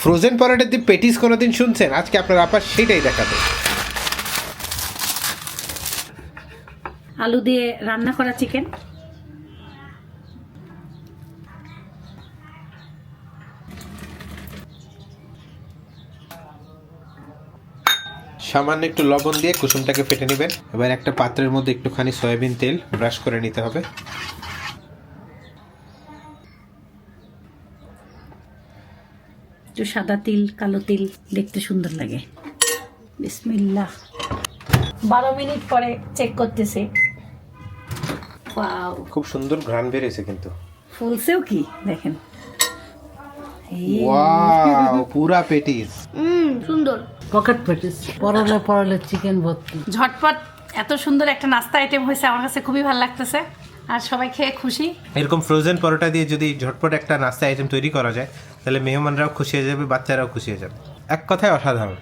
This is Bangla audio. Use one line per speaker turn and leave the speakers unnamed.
ফ্রোজেন পরোটা দিয়ে পেটিস কোনোদিন শুনছেন? আজকে আপনার আপা সেটাই দেখাবে।
আলু দিয়ে রান্না করা চিকেন,
সামান্য একটু লবণ দিয়ে কুসুমটাকে ফেটে নেবেন। এবার একটা পাত্রের মধ্যে একটুখানি সয়াবিন তেল ব্রাশ করে নিতে হবে।
একটু সাদা তিল, কালো তিল দেখতে সুন্দর লাগে। বিসমিল্লাহ। 12 মিনিট পরে চেক করতেছি। ওয়াও,
খুব সুন্দর ঘ্রাণ বেরিয়েছে কিন্তু।
ফুলছেও কি দেখেন।
ওয়াও, পুরা পেটিস।
সুন্দর।
পকেট পেটিস, পরলে পরলে চিকেন ভর্তি।
ঝটপট এত সুন্দর একটা নাস্তা আইটেম হয়েছে, আমার কাছে খুবই ভালো লাগতেছে আর সবাই খেয়ে খুশি।
এরকম ফ্রোজেন পরোটা দিয়ে যদি ঝটপট একটা নাস্তা আইটেম তৈরি করা যায় তাহলে মেহমানরাও খুশি হয়ে যাবে, বাচ্চারাও খুশি হয়ে যাবে। এক কথায় অসাধারণ।